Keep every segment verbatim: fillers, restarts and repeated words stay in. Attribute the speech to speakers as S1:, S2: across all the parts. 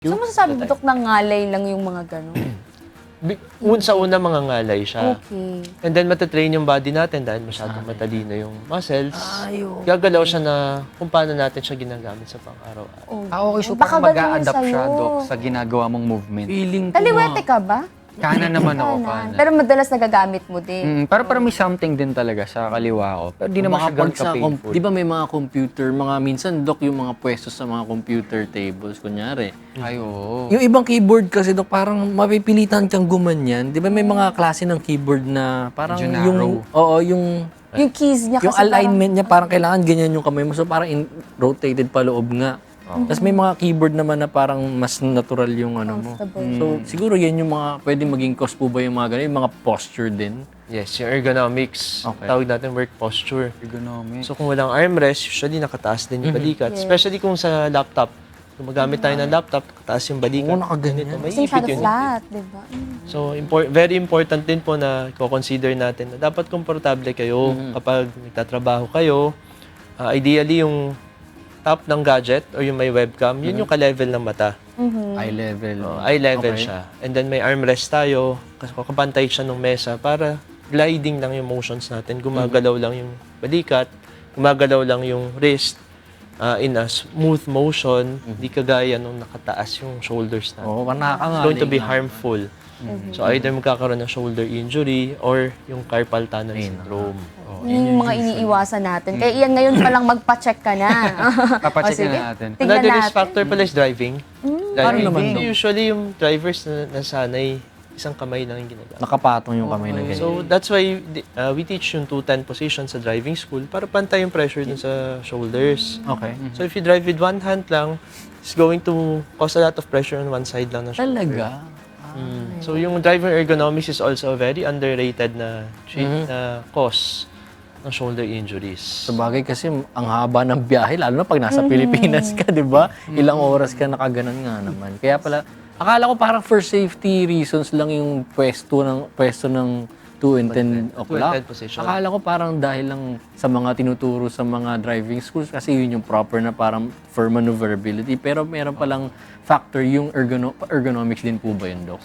S1: So masasabi mo, Dok, na ngalay lang yung mga gano'n?
S2: Bi- Un sa una, mga ngalay siya.
S1: Okay.
S2: And then matatrain yung body natin dahil masyadong matalino yung muscles.
S1: Ay, oo.
S2: Gagalaw siya na kung paano natin siya ginagamit sa pang-araw-araw.
S1: Oh.
S3: Ah, okay. So
S1: Baka
S3: parang
S1: ganun yun
S3: mag-a-adapt siya,
S1: sa'yo.
S3: Dok, sa ginagawa mong movement.
S4: Feeling ko
S1: Kaliwete ka ba?
S3: Kanan naman ako,
S1: Kanan.
S3: kanan.
S1: Pero madalas nagagamit mo din.
S3: Mm, pero parang may something din talaga sa kaliwa ko. Pero di naman siya ganun
S4: sa com-
S3: ka-painful.
S4: di ba may mga computer, mga minsan, Dok, yung mga pwesto sa mga computer tables, kunyari.
S3: Ay, oo.
S4: Yung ibang keyboard kasi, Dok, parang mapipilitan kang gumanyan. Di ba may mga klase ng keyboard na parang
S3: Medyo
S4: yung...
S3: narrow.
S4: Oo, yung...
S1: Yung keys niya
S4: Yung
S1: kasi
S4: alignment niya, parang kailangan ganyan yung kamay mo. So parang in- rotated pa loob nga. Tapos may mga keyboard naman na parang mas natural yung ano mo.
S1: Comfortable.
S4: So siguro yan yung mga pwede maging cause po ba yung mga ganun, yung mga posture din.
S2: Yes, yung ergonomics.
S4: Okay.
S2: Tawag natin work posture.
S3: Ergonomic.
S2: So kung walang armrest, usually nakataas din yung balikat. Especially kung sa laptop. Kung magamit tayo ng laptop, nakataas yung balikat.
S4: Oo, nakaganyan.
S2: May
S1: Kasi masyado
S2: ipit yun.
S1: flat, di ba? Mm.
S2: So, impor- very important din po na i-consider natin na dapat komportable kayo kapag nagtatrabaho kayo. Uh, ideally, yung top ng gadget or yung may webcam, yun yung ka-level ng mata.
S3: Eye level.
S2: Uh, eye level
S3: Okay.
S2: siya. And then may armrest tayo, kasi kakapantay siya ng mesa para gliding lang yung motions natin. Gumagalaw lang yung balikat, gumagalaw lang yung wrist uh, in a smooth motion, di kagaya nung nakataas yung shoulders natin.
S4: Oo, parang
S2: It's
S4: nakakangaling.
S2: going to be harmful. So either magkakaroon ng shoulder injury or yung carpal tunnel syndrome.
S1: Yun yung mga iniiwasan natin. Kaya iyan ngayon palang magpa-check ka na.
S3: Papacheck
S1: O, sige.
S3: na natin.
S1: Tignan
S2: Another risk
S1: natin.
S2: factor pala is driving.
S4: Paano
S2: Driving.
S4: naman
S2: Hindi,
S4: daw?
S2: usually yung drivers na nasanay, isang kamay lang yung ginagamit.
S4: Nakapatong yung kamay na ganyan.
S2: So that's why uh, we teach yung two ten position sa driving school para pantay yung pressure dun sa shoulders.
S4: Okay.
S2: So if you drive with one hand lang, it's going to cause a lot of pressure on one side lang ng shoulder.
S4: Talaga?
S2: Mm. So yung driver ergonomics is also a very underrated na treat na cause ng shoulder injuries.
S4: Sa bagay kasi ang haba ng biyahe, lalo na pag nasa Pilipinas ka, di ba? Ilang oras ka nakaganon nga naman. Kaya pala, akala ko parang for safety reasons lang yung pwesto ng pwesto ng two and ten o'clock.
S2: ten position.
S4: Akala ko parang dahil lang sa mga tinuturo sa mga driving schools kasi yun yung proper na parang for maneuverability. Pero meron palang factor yung ergono- ergonomics din po ba yun, Doc?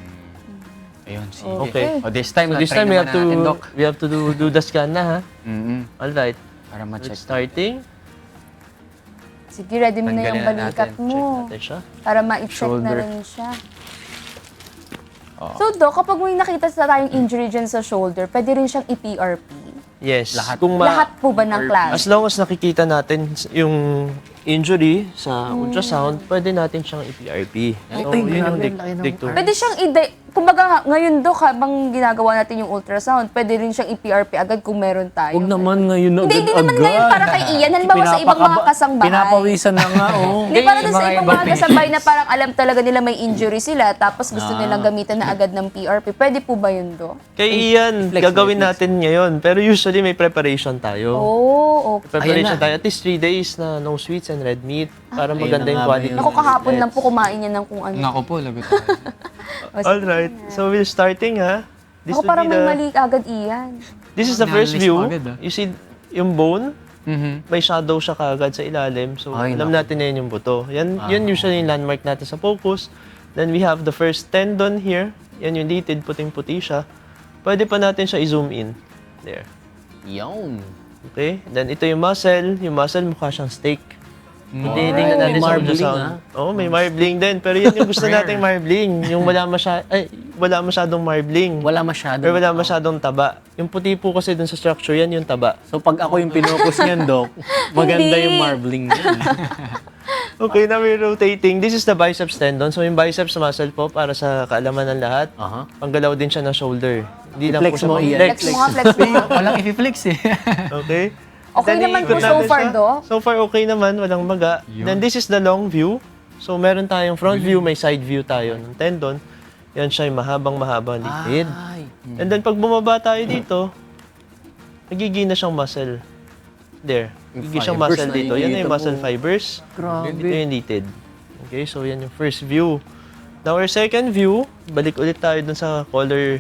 S3: Ayun, sige.
S2: Okay.
S3: O, this time,
S2: So this
S3: na-try
S2: time we have
S3: naman
S2: to
S3: natin, Doc.
S2: we have to do do the scan na ha.
S3: Mm-mm.
S2: All right.
S3: Para
S2: So
S3: ma-check.
S2: it's starting.
S1: Sige, ready mo na
S3: Tanggalin
S1: yung
S3: na
S1: balikat
S3: natin.
S1: mo.
S2: Check natin siya.
S1: Para ma-check na
S3: Shoulder.
S1: rin siya. So, Doc, kapag may nakita sa tayong injury dyan sa shoulder, pwede rin siyang i-P R P.
S2: Yes.
S3: Lahat.
S2: Kung ma-
S1: Lahat po ba ng klase?
S2: As long as nakikita natin yung injury sa ultrasound, pwede natin siyang i-P R P. So,
S4: Ay,
S2: yun yung
S4: grabe,
S2: dig-
S4: laki ng-
S2: dictum.
S1: Pwede siyang i- kumbaga ngayon, Doc, habang ginagawa natin yung ultrasound, pwede rin siyang i-P R P agad kung meron tayo.
S4: Huwag naman ngayon
S1: Hindi,
S4: agad-agad.
S1: hindi naman ngayon para kay Ian. Halimbawa sa ibang mga
S4: Pinapakaba-
S1: kasambahay.
S4: Pinapawisan na nga, oh.
S1: Hindi, para dun sa
S3: mga
S1: ibang
S3: ibang
S1: mga kasambahay na parang alam talaga nila may injury sila, tapos gusto
S4: Ah.
S1: nilang gamitan na agad ng P R P. Pwede po ba yun, Doc?
S2: Kay Ian,
S4: flex,
S2: gagawin
S4: flex.
S2: natin ngayon. Pero usually may preparation tayo.
S1: Oh, okay.
S2: Preparation
S4: Ayan na.
S2: tayo. At least three days na no sweets and red meat para
S4: Ayun
S2: maganda
S4: na
S2: yung
S4: nga ba
S2: quality.
S4: yun?
S1: Ako kahapon lang po kumain yan ng kung ano.
S3: Nako po, lagot tayo.
S2: All right. So we're starting ha. This
S1: Ako
S2: would
S1: parang
S2: be
S1: may
S2: the-
S1: mali agad, Ian.
S2: This is the first
S3: Analyze
S2: view.
S3: mo agad, ah.
S2: You see yung bone,
S3: Mhm.
S2: may shadow siya kaagad sa ilalim. So
S4: Ay,
S2: alam
S4: naku.
S2: natin na yun yung buto. Yan, yun usually yung landmark natin sa focus. Then we have the first tendon here. Yan yung litid, puting-puti siya. Pwede pa natin siya i-zoom in. There.
S4: Yun.
S2: Okay? Then ito yung muscle. Yung muscle mukha siyang steak. Hindi,
S4: Ay,
S2: tingnan natin
S4: may
S2: sa
S4: marbling,
S2: ultrasound.
S4: ah.
S2: Oo, may marbling din. Pero yan yung gusto nating marbling. Yung wala, masya ay, wala masyadong marbling.
S4: Wala masyado.
S2: Pero wala masyadong taba. Yung puti po kasi dun sa structure, yan yung taba.
S4: So pag ako yung pinokus niyan, Doc, maganda
S1: Hindi.
S4: yung marbling niyan.
S2: Okay, now we're rotating. This is the biceps tendon. So yung biceps muscle po, para sa kaalaman ng lahat,
S4: Aha.
S2: panggalaw din siya ng shoulder. Hindi lang
S4: I-flex
S2: po siya
S4: mo,
S2: pang-
S4: Ian.
S2: flex.
S1: Flex mo nga, flex mo.
S3: Walang i-flex eh.
S2: Okay?
S1: Okay
S2: Then,
S1: naman
S2: iikot
S1: po so
S2: natin
S1: far,
S2: siya.
S1: Doc.
S2: So far, okay naman. Walang maga. Then this is the long view. So meron tayong front view, may side view tayo ng tendon. Yan siya yung mahabang-mahabang litid.
S4: Ay.
S2: And then pag bumaba tayo dito, nagiging na siyang muscle. There. Nagiging siyang
S4: fibers
S2: muscle dito. Yan na yung
S4: nakikita
S2: muscle
S4: mo.
S2: fibers.
S4: Grabe.
S2: Ito yung litid. Okay, so yan yung first view. Now our second view, balik ulit tayo dun sa color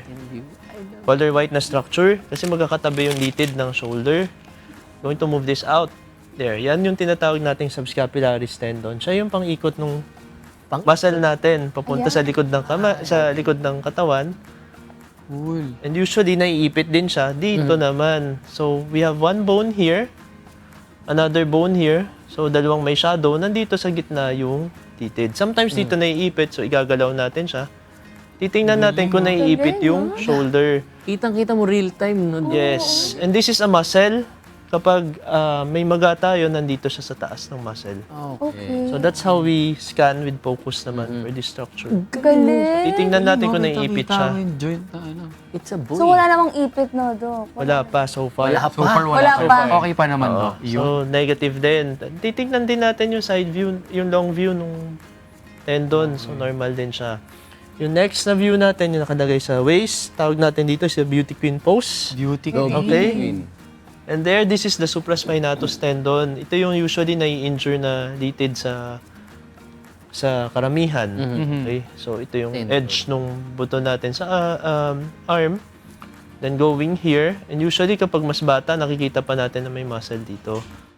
S2: color white na structure kasi magkakatabi yung litid ng shoulder. Going to move this out. There, yan yung tinatawag nating subscapularis tendon. Siya yung pang-ikot ng
S4: Pang-
S2: muscle natin papunta
S1: Ayan.
S2: sa likod ng kama, sa likod ng katawan.
S3: Cool.
S2: And usually, naiipit din siya dito naman. So, we have one bone here, another bone here. So, dalawang may shadow. Nandito sa gitna yung titid. Sometimes dito naiipit, so igagalaw natin siya. Titingnan natin kung naiipit yung shoulder.
S4: Kitang-kita mo real time, no?
S2: Yes. And this is a muscle. Kapag ah, may maga tayo, nandito siya sa taas ng muscle.
S1: Okay.
S2: So, that's how we scan with focus naman for this structure.
S1: Galing.
S2: Titingnan natin kung naiipit siya.
S3: yung joint na ano.
S4: It's a boy.
S1: So wala namang ipit no, Dok?
S2: Wala pa so far.
S4: Wala
S3: So far, wala,
S1: Wala
S3: so
S1: pa.
S3: far. Okay pa naman,
S2: Oo.
S3: no? Yung,
S2: So, negative din. Titignan din natin yung side view, yung long view nung tendon. So, normal din siya. Yung next na view natin, yung nakalagay sa waist, tawag natin dito sa beauty queen pose.
S3: beauty
S2: Okay?
S3: queen.
S2: And there, this is the supraspinatus tendon. Ito yung usually nai-injure na litid sa sa karamihan. Okay? So, ito yung
S4: Tendon.
S2: edge nung buto natin sa ah, um, arm. Then going here. And usually, kapag mas bata, nakikita pa natin na may muscle dito.